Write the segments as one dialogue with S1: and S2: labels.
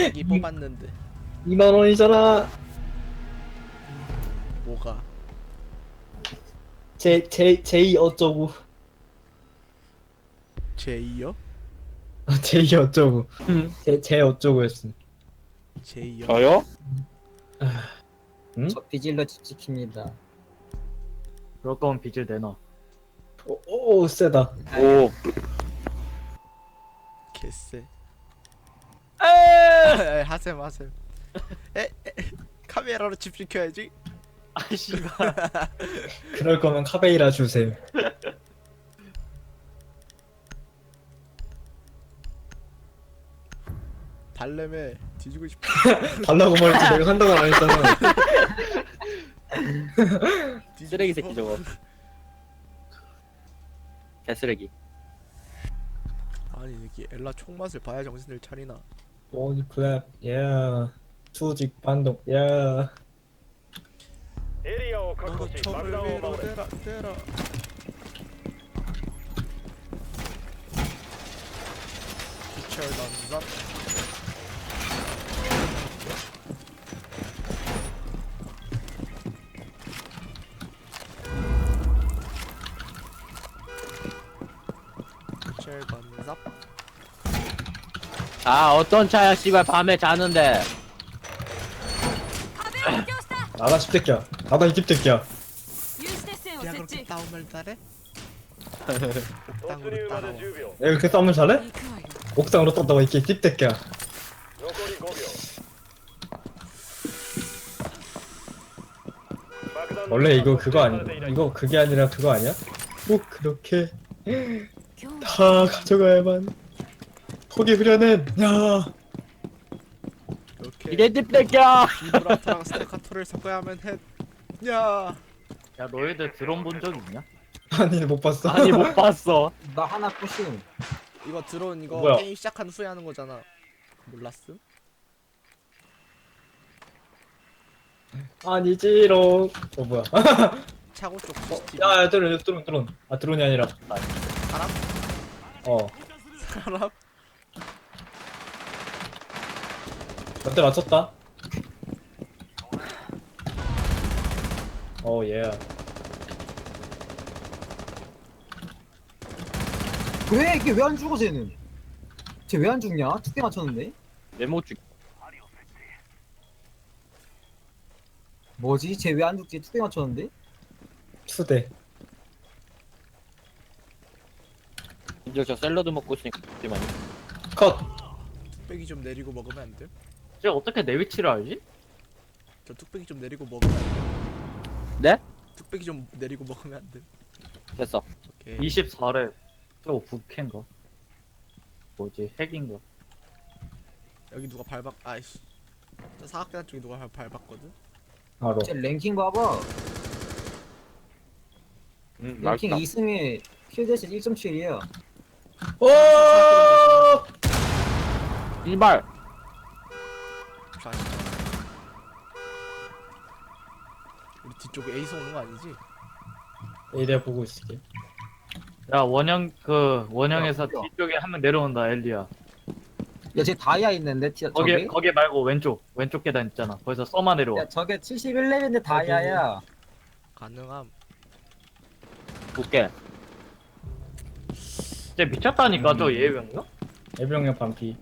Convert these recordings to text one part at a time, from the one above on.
S1: 자기 뽑았는데
S2: 2만 원이잖아.
S1: 뭐가?
S2: 제이 어쩌고.
S1: 제이요?
S2: 제이 어쩌고. 제 어쩌고였음.
S1: 제이요?
S3: 저요?
S2: 응?
S4: 저 비질러 집 지킵니다.
S3: 그럴 거면 빚을 내놔.
S2: 오 세다.
S3: 오.
S1: 개쎄. 에 하셈. 에 카메라로 집중켜야지.
S3: 아씨발.
S2: 그럴 거면 카베이라 주세요.
S1: 달래매 뒤지고 싶어.
S2: 달라고 말했지 내가 한다고 안 했잖아.
S1: 뒤지고
S3: 쓰레기
S1: 싶어?
S3: 새끼 저거. 개쓰레기.
S1: 아니 이게 엘라 총맛을 봐야 정신을 차리나.
S2: 원 클랩, 야. 수직 반동, 야.
S5: エリアを確
S1: 너도
S5: 保し
S1: 총을
S5: 爆弾を
S1: 위로
S5: 守れ
S1: 대라. 빛을 던져. 빛을 던져.
S3: 아 어떤 차야 씨발 밤에 자는데.
S2: 나다 십대끼야. 나다 이 집대끼야.
S6: 有刺鉄線を
S1: 야
S6: 設
S1: 그렇게
S6: 置
S1: 싸움을 잘해?
S5: 突入
S1: 옥상으로
S5: ま
S1: 따라와.
S5: で10秒
S2: 내가 그렇게 싸움을 잘해?
S6: 行くわよ
S2: 옥상으로 떴다고 이렇게 집대끼야.
S5: 残り5秒爆弾の
S2: 원래 이거 그거
S5: 発
S2: 아니?
S5: 射されていない
S2: 이거 그게 아니라 그거 아니야? 꼭 그렇게
S6: 今日
S2: 다 가져가야만. 거기 흐려낸 야.
S1: 이렇게
S3: 이래 띠뺏겨.
S1: 비브라토랑 스테카토를 섞어야 하면 해. 야.
S3: 야 너희들 드론 본 적 있냐?
S2: 아니 못 봤어.
S3: 아니 못 봤어.
S4: 나 하나 부심.
S1: 이거 드론 이거
S2: 뭐야?
S1: 게임 시작한 후에 하는 거잖아. 몰랐음?
S2: 아니지롱. 뭐야?
S1: 차고 쪽 CCTV.
S2: 야 드론. 아 드론이 아니라.
S1: 사람?
S2: 어.
S1: 사람?
S2: 몇대 맞췄다. 오 예.
S4: 왜 이게 왜 안 죽어 쟤는? 쟤 왜 안 죽냐? 2개 맞췄는데?
S3: 메모 주.
S4: 뭐지? 쟤 왜 안 죽지? 2개 맞췄는데?
S2: 투대.
S3: 이제 저 샐러드 먹고 있으니까 잠시만요.
S2: 컷.
S1: 뚝배기 좀 내리고 먹으면 안 돼?
S3: 쟤 어떻게 내 위치를 알지?
S1: 저 뚝배기 좀 내리고 먹으면 안 돼?
S3: 네?
S1: 뚝배기 좀 내리고 먹으면 안 돼?
S3: 됐어.
S1: 오케이.
S3: 24래. 저거 북캔가? 뭐지? 핵인가?
S1: 여기 누가 밟았? 아이씨. 저 사각계단 쪽에 누가 밟았거든?
S2: 바로.
S4: 쟤 랭킹 봐봐.
S3: 응
S4: 랭킹 2승에 킬대시 1.7이야.
S2: 오.
S3: 이발.
S1: 자. 우리 뒤쪽에 에이스 오는 거 아니지?
S2: 내가 보고 있을게.
S3: 야 원형에서
S4: 야,
S3: 뒤쪽에 한 명 내려온다 엘리야.
S4: 야, 쟤 다이아 있는데, 저게?
S3: 거기 말고 왼쪽 계단 있잖아. 거기서 써마 내려와.
S4: 야, 저게 71레벨인데 다이아야.
S1: 가능함.
S3: 볼게. 쟤 미쳤다니까 저 예병이가?
S2: 예병력 반피.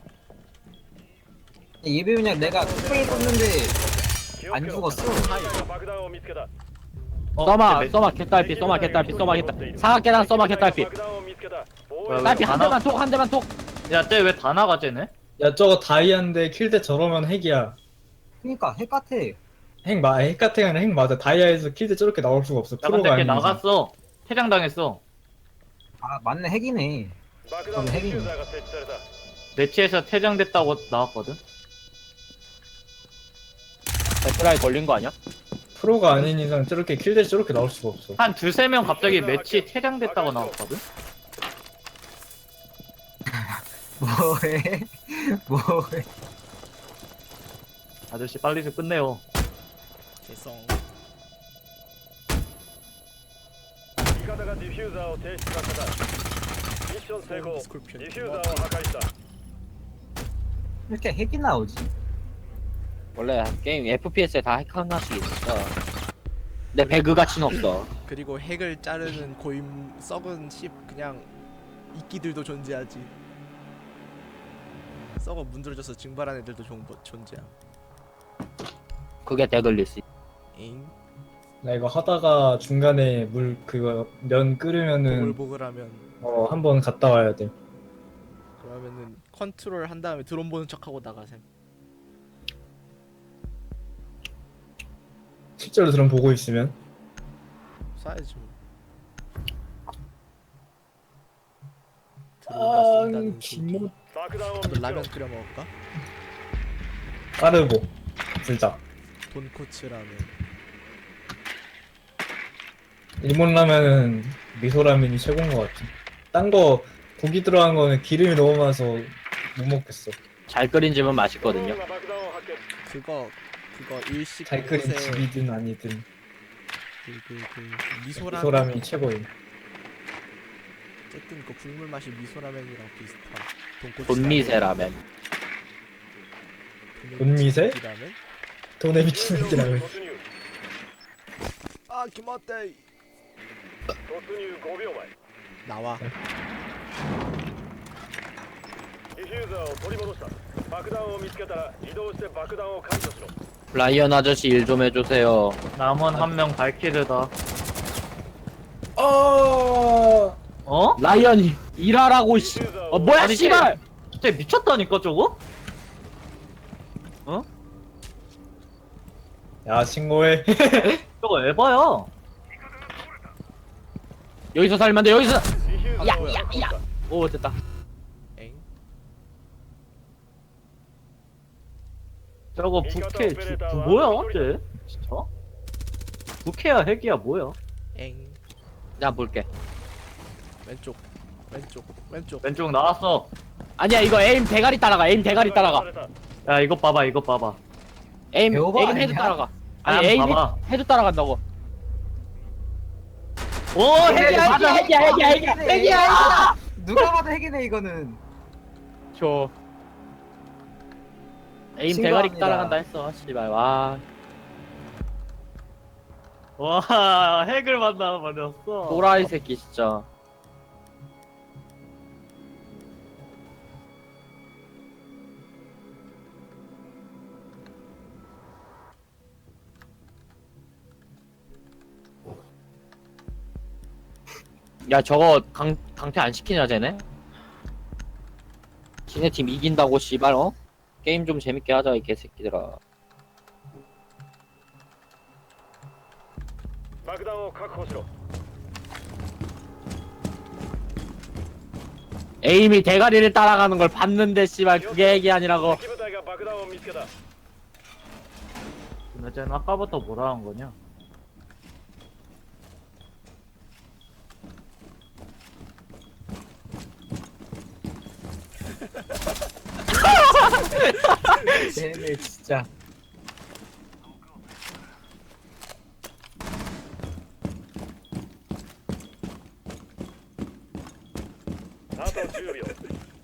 S4: 예비면 내가 뚝배기 떴는데
S5: 気をつ
S4: 안
S5: けろ
S4: 죽었어.
S5: 爆弾を見つけた
S3: 써마 개딸피 써마 개딸피 사각 계단 써마 개딸피.
S5: 爆弾を見つけた
S3: 딸피 한 대만 톡. 야 쟤 왜 다 나가 쟤네?
S2: 야 저거 다이아인데 킬대 저러면 핵이야.
S4: 그니까, 핵 같아.
S2: 핵 같은 게 아니라 핵 맞아. 다이아에서 킬대 저렇게 나올 수가 없어.
S3: 야 근데
S2: 프로가
S3: 걔
S2: 아니면.
S3: 나갔어. 퇴장당했어.
S4: 아, 맞네, 핵이네.
S5: 爆弾ディフューザーが設置された
S3: 매치에서 퇴장됐다고 나왔거든. 배트라이 걸린 거 아니야?
S2: 프로가 아닌 이상 저렇게 킬대 저렇게 나올 수가 없어.
S3: 한 두세 명 갑자기 매치 퇴장됐다고 나왔거든.
S4: 뭐해? 뭐해?
S3: 아저씨 빨리 좀 끝내요.
S1: 개성.
S5: 味方がディフューザーを停止させたミッション成功ディフューザーを破壊した
S4: 이렇게 핵이 나오지?
S3: 원래 게임 FPS에 다 핵 하나씩 있어. 근데 배그 가치는 없어.
S1: 그리고 핵을 자르는 고임 썩은 씹 그냥 이끼들도 존재하지. 썩어 문드러져서 증발한 애들도 존재함.
S3: 그게 데돌리스.
S1: 잉?
S2: 나 이거 하다가 중간에 물 그거 면 끓으면은
S1: 보글보글하면
S2: 한번 갔다 와야 돼.
S1: 그러면은 컨트롤 한 다음에 드론 보는 척하고 나가셈.
S2: 실제로 드럼 보고 있으면
S1: 쏴야지 뭐. 드론가 쏜다는 소리.
S5: 爆弾を見
S1: 너
S5: つけろ
S1: 라면 끓여 먹을까?
S2: 빠르고 진짜
S1: 돈코츠 라면.
S2: 일본 라면은 미소 라면이 최고인 것 같아. 딴 거 고기 들어간 거는 기름이 너무 많아서 못 먹겠어.
S3: 잘 끓인 집은
S5: ドローン
S3: 맛있거든요.
S5: が爆弾を発見
S1: 그거 일식
S2: 잘 끓인
S1: 곳에
S2: 집이든 아니든
S1: 미소라면.
S2: 미소라면이 최고임.
S1: 어쨌든 그 국물 맛이 미소라면이랑 비슷한 돈코츠
S3: 돈미세 라면.
S2: 돈미세?
S1: 라면?
S2: 돈에 미친
S5: 10秒
S2: 새끼라면.
S5: 突入
S1: 아 기맛대.
S5: 突入5秒前
S1: 나와.
S5: ディフューザーを取り戻した爆弾を見つけたら移動して爆弾を解除しろ
S3: 라이언 아저씨 일 좀 해주세요.
S7: 남은 한 명 발키르다.
S2: 어.
S7: 어?
S3: 라이언이 일하라고 씨.
S5: ディフューザー
S3: 어
S5: を
S3: 뭐야
S7: 아니,
S3: 씨발.
S7: 쟤 미쳤다니까 저거?
S2: 야 신고해.
S7: 저거 에바야.
S3: 여기서 살면 돼 여기서.
S5: ディフューザーを確保した
S3: 오 됐다.
S1: 엥?
S7: 저거 부캐 뭐야 쟤? 진짜? 부캐야 핵이야 뭐야?
S1: 엥.
S3: 나 볼게.
S1: 왼쪽.
S7: 왼쪽 나왔어.
S3: 아니야 이거 에임 대가리 따라가. 에임 대가리 따라가.
S7: 야 이거 봐봐 이거 봐봐.
S3: 에임
S4: 배워봐,
S3: 에임 헤드
S4: 아니야?
S3: 따라가.
S7: 아니,
S3: 아니 에임
S7: 봐봐.
S3: 헤드 따라간다고.
S7: 오
S3: 핵이야
S7: 맞아.
S3: 핵이야.
S4: 누가 봐도 핵이네 이거는.
S3: 저 에임
S4: 신고합니다.
S3: 대가리 따라간다 했어. 씨발 와.
S7: 와 핵을 만나버렸어.
S3: 또라이 새끼 진짜. 야 저거 강퇴 안 시키냐 쟤네? 지네 팀 이긴다고 씨발 어? 게임 좀 재밌게 하자 이 개새끼들아.
S5: 爆弾を確保しろ
S3: 에임이 대가리를 따라가는 걸 봤는데 씨발 그게 얘기 아니라고.
S5: 敵部隊が爆弾を見つけた
S7: 근데 쟤는 아까부터 뭐라 한 거냐?
S4: 쟤네 진짜.
S5: あと10秒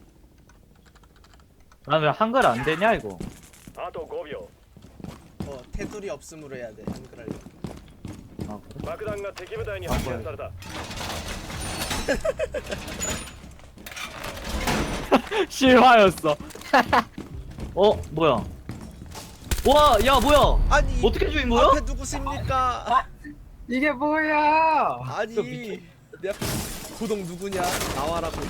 S7: 난 왜 한글 안 되냐 이거?
S5: あと5秒
S1: 테두리 없음으로 해야 돼. 한글 하려면.
S7: 아 그래?
S5: 爆弾が敵部隊に発見された
S3: 실화였어.
S7: 뭐야? 와, 야 뭐야?
S1: 아니
S7: 어떻게 죽인 거야?
S1: 앞에 누구십니까?
S4: 이게 뭐야?
S1: 아니 내 앞에 고동 누구냐? 나와라 고동.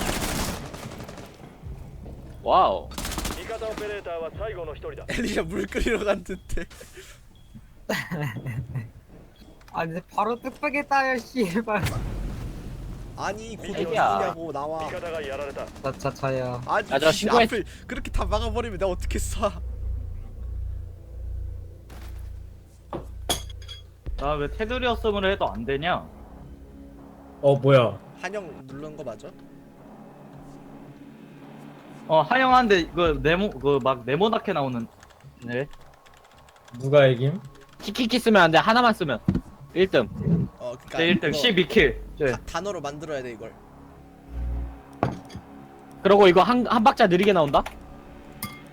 S3: 와우.
S5: 味方オペレーターは最後の一人だ
S1: 엘리가 물 끓이러 간 듯해.
S4: 아니 바로 뚝배기 따요 씨발.
S1: 아니 고동
S3: 애기야.
S1: 누구냐고 나와.
S5: 味方がやられた
S4: 자자자야.
S1: 아니
S3: 야, 저
S1: 씨,
S3: 신고했-
S1: 앞을 그렇게 다 막아버리면 내가 어떻게 쏴?
S7: 나 왜 테두리였음을 해도 안 되냐?
S2: 뭐야?
S1: 한영 누른 거 맞아?
S7: 하영한데 막 네모나게 나오는. 네.
S2: 누가 이김?
S3: 키키키 쓰면 안 돼. 하나만 쓰면 1등.
S1: 그니까
S7: 제 1등 12킬. 네.
S1: 단어로 만들어야 돼 이걸.
S3: 그리고 이거 한 박자 느리게 나온다.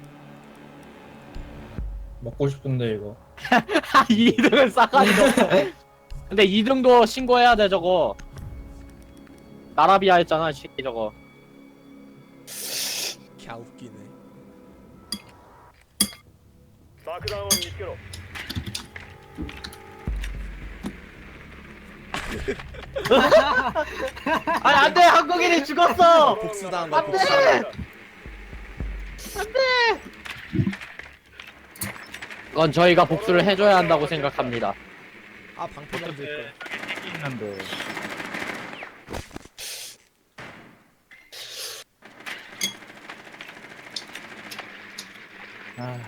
S2: 먹고 싶은데 이거.
S3: 2등은 싸가지고. 근데 2등도 신고해야 돼 저거. 나라비아 했잖아 새끼 저거.
S1: 갸 웃기네.
S5: 爆弾を見つけろ
S7: 아니 안돼 한국인이 죽었어.
S1: 복수당한 거야
S5: 안
S1: 복수당한 거.
S3: 그건 저희가 복수를 해줘야 한다고 생각합니다.
S1: 아 방패 만들 거야.
S7: 있는데. 아.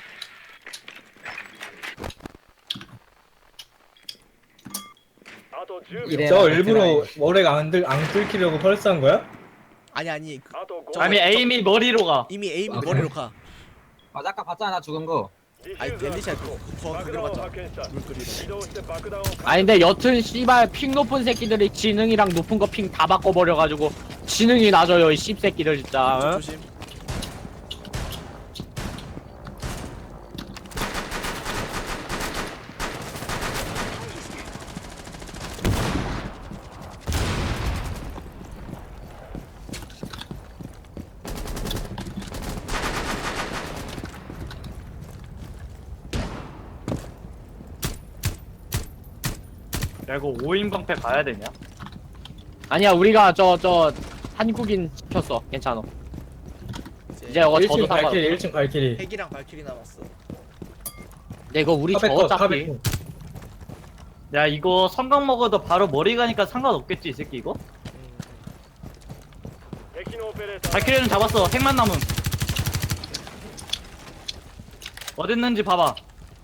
S5: あと10
S4: 이래.
S5: 秒
S2: 저 일부러 머리가 안 뚫기려고 펄스한 거야?
S1: 아니 그,
S5: あと 5
S1: 저-
S7: 아니 에임이 머리로 가.
S1: 이미 에임이
S2: 아,
S1: 머리로 가.
S4: 맞아 아까 봤잖아 나 죽은 거.
S5: ディフ
S1: 아니
S5: ューザー
S1: 엘리샤
S5: 確保
S1: 거기로
S5: 爆弾を
S1: 갔잖아.
S5: 発見した
S1: 물거리로.
S5: 移動して爆弾を
S3: 아닌데 여튼 씨발 핑 높은 새끼들이 지능이랑 높은 거 핑 다 바꿔버려가지고 지능이 낮아요 이 씹새끼들 진짜. 어?
S1: 조심.
S7: 야 이거 5인 방패 가야 되냐?
S3: 아니야 우리가 저 한국인 시켰어 괜찮아. 이제 이거 저도
S2: 1층
S3: 상관없어.
S2: 발키리 1층 발키리.
S1: 핵이랑 발키리 남았어.
S3: 근데 이거 우리 저
S2: 카베컷
S3: 어차피
S2: 카베컷.
S7: 야 이거 성강 먹어도 바로 머리 가니까 상관없겠지 이 새끼 이거?
S5: 敵のオペレーター
S7: 발키리는 잡았어. 핵만 남은. 어딨는지 봐봐.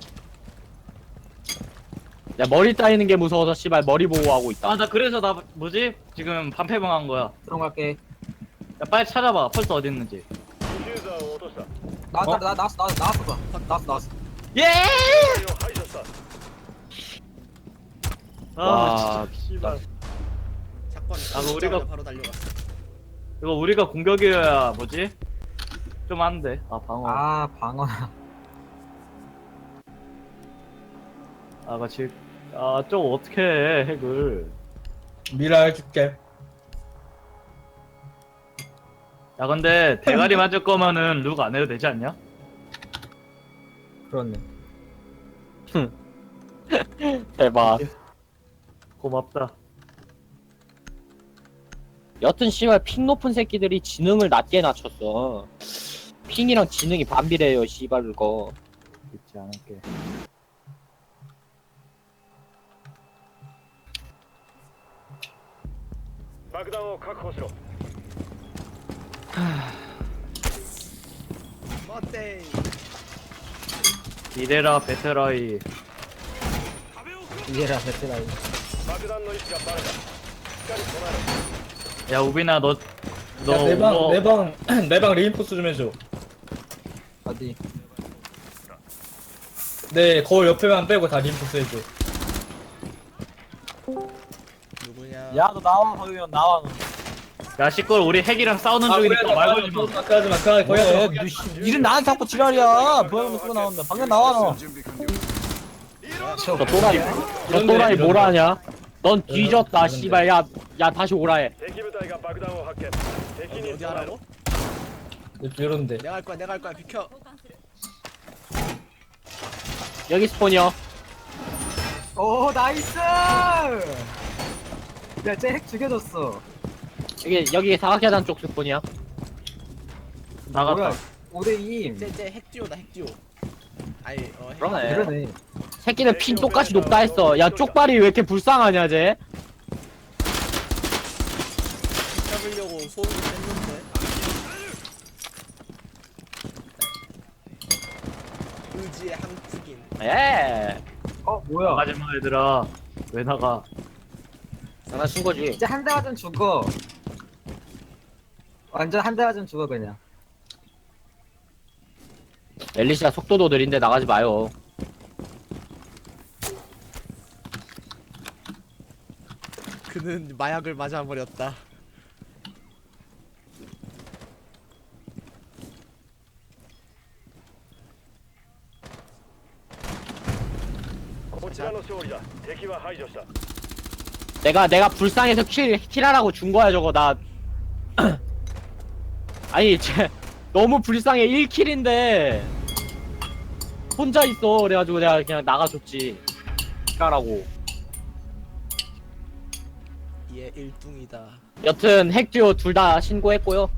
S3: 야, 머리 따이는 게 무서워서 씨발 머리 보호하고 있다.
S7: 아 나 그래서 나 뭐지? 지금 반패방 한 거야.
S4: 들어갈게.
S7: 야 빨리 찾아봐. 펄스 어딨는지.
S5: ディフューザーを落とした
S4: 나왔어.
S7: 예!
S5: 敵を排除した
S7: 아
S3: 와,
S7: 진짜 씨발.
S1: 사건.
S7: 아, 뭐 우리가-
S1: 바로 달려갔어.
S7: 이거 우리가 공격이어야 뭐지? 좀 안돼. 아 방어.
S4: 아 방어나.
S7: 아 마치 저거 어떻게 해 핵을.
S2: 미라 해줄게.
S7: 야 근데 대가리 맞을 거면은 룩 안 해도 되지 않냐?
S4: 그렇네.
S3: 대박.
S7: 고맙다.
S3: 여튼 씨발 핑 높은 새끼들이 지능을 낮게 낮췄어. 핑이랑 지능이 반비례해요 씨발 그거.
S7: 믿지 않을게.
S5: 爆弾を確保しろ
S1: 어때?
S7: 이래라 베테라이.
S4: 이해라 베트라이.
S5: 爆弾の位置がバレたしっかり備えろ
S7: 야 우빈아 너
S2: 내방 레인포스 좀 해줘.
S4: 어디?
S2: 네 거울 옆에만 빼고 다 레인포스 해줘.
S1: 누구냐?
S7: 너 나와 거기면 나와. 야 시끌 우리 핵이랑 싸우는 중이니까 말 걸지 마.
S2: 아까하지 마. 거기 하지 마.
S8: 일은 나한테 자꾸 지랄이야. 뭐하는 거 나온다. 방금 나와 너.
S3: 저 또라이. 저 또라이 뭐라 하냐? 넌 뒤졌다
S2: 이런데.
S3: 씨발 야 다시 오라 해.
S5: 敵部隊が爆弾を発見敵に
S1: 어디
S5: 備えろ
S1: 하라고?
S2: 이런데.
S1: 내가 할 거야 비켜.
S3: 여기 스폰이요.
S4: 오 나이스. 야쟤 핵 죽여줬어.
S3: 여기 사각계단 쪽 스폰이야.
S7: 나갔다.
S4: 뭐야? 5대2.
S1: 쟤 핵듀오다 핵듀오. 아니 핵.
S3: 그러네.
S4: 그러네.
S3: 새끼는 핀 똑같이 높다 했어. 야 쪽발이 왜 이렇게 불쌍하냐 쟤?
S1: 잡으려고 소음을 뺐는데. 의지의 한국인.
S3: 에.
S4: 뭐야?
S7: 나가지 마 얘들아. 왜 나가?
S3: 장난친 거지.
S4: 이제 한 대 맞으면 죽어. 완전 한 대 맞으면 죽어 그냥.
S3: 엘리시아 속도도 느린데 나가지 마요.
S1: 그는 마약을 맞아버렸다.
S5: ちらの勝利だ。敵は排除した。
S3: 내가 불쌍해서 킬하라고 준 거야 저거 나. 아니 쟤 너무 불쌍해 1킬인데 혼자 있어 그래가지고 내가 그냥 나가줬지. 킬하라고.
S1: 얘 1둥이다.
S3: 여튼 핵듀오 둘 다 신고했고요.